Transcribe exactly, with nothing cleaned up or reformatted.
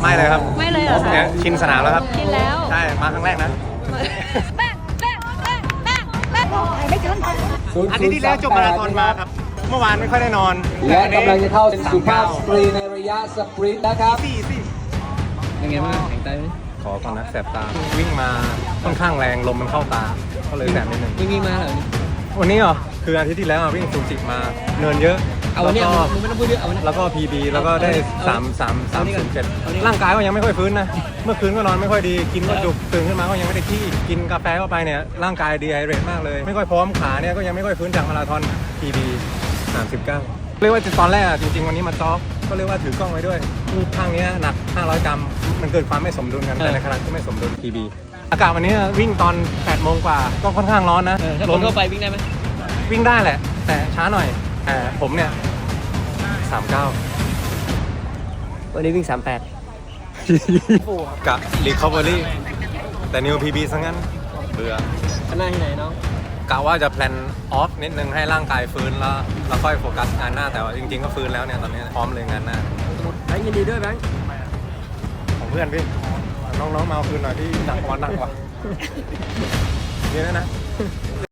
ไม่เลยครับไม่เลยเหรอคะเนี่ยชินสนามแล้วครับกินแล้วใช่ มาครั้งแรกนะแป๊ะแป๊ะแป๊ะแป๊ะแป๊ะไม่ทันอาทิตย์ที่แล้วจบมาราธอนมาครับ เมื่อวานไม่ค่อยได้นอนและกำลังจะเข้าสุภาพสสตรีในระยะสปรินต์นะครับสี่สี่ยังไงบ้างแข็งใจไหมขอก่อนนะแสบตา วิ่งมาค่อนข้างแรงลมมันเข้าตา ก็เลยแสบนิดนึงวิ่งวิ่งมาเหรอวันนี้เหรอ คืออาทิตย์ที่แล้วอะวิ่งซูจิมา เนินเยอะเอาวันนี้แล้วก็มึงไม่ต้องพูดเยอะเอาวันนี้แล้วก็ พี บี แล้วก็ได้เอาสาม สาม สามเอานี่ก่อนศูนย์เจ็ดเอานี่ก่อนร่างกายก็ยังไม่ค่อยฟื้นนะ เมื่อคืนก็นอนไม่ค่อยดี กินก็จุก ตื่นขึ้นมาก็ยังไม่ได้ขี้ กินกาแฟเข้าไปเนี่ย ร่างกายดีไฮเดรตมากเลย ไม่ค่อยพร้อม ขาเนี่ยก็ยังไม่ค่อยฟื้นจากมาราธอน พี บี สามสิบเก้า เรียกว่าตอนแรกอะจริงๆวันนี้มาจ็อกก็เรียกว่าถือกล้องไว้ด้วยข้างนี้หนักห้าร้อยกรัม มันเกิดความไม่สมดุลกัน แต่ในขณะที่ไม่สมดุล พี บี อากาศวันนี้วิ่งตอนแปดโมงกว่า ก็ค่อนข้างร้อนนะเออถ้าคนทั่วไปวิ่งได้ไหมวิ่งได้แหละ แต่ช้าหน่อยแต่ผมเนี่ยสามเก้าวันนี้วิ่งสามแปดกะ recovery แต่ new พี บี ซะงั้น เบื่อข้างหน้าที่ไหนน้องกะว่าจะแพลนออฟนิดนึงให้ร่างกายฟื้นแล้วแล้วค่อยโฟกัสงานหน้า แต่ว่าจริงๆก็ฟื้นแล้วเนี่ยตอนนี้พร้อมเลยงานหน้าแบงค์ยินดีด้วยแบงค์ของเพื่อนพี่ น้องๆมาเอาคืนหน่อยพี่หนักกว่าหนักกว่านี่นะนะ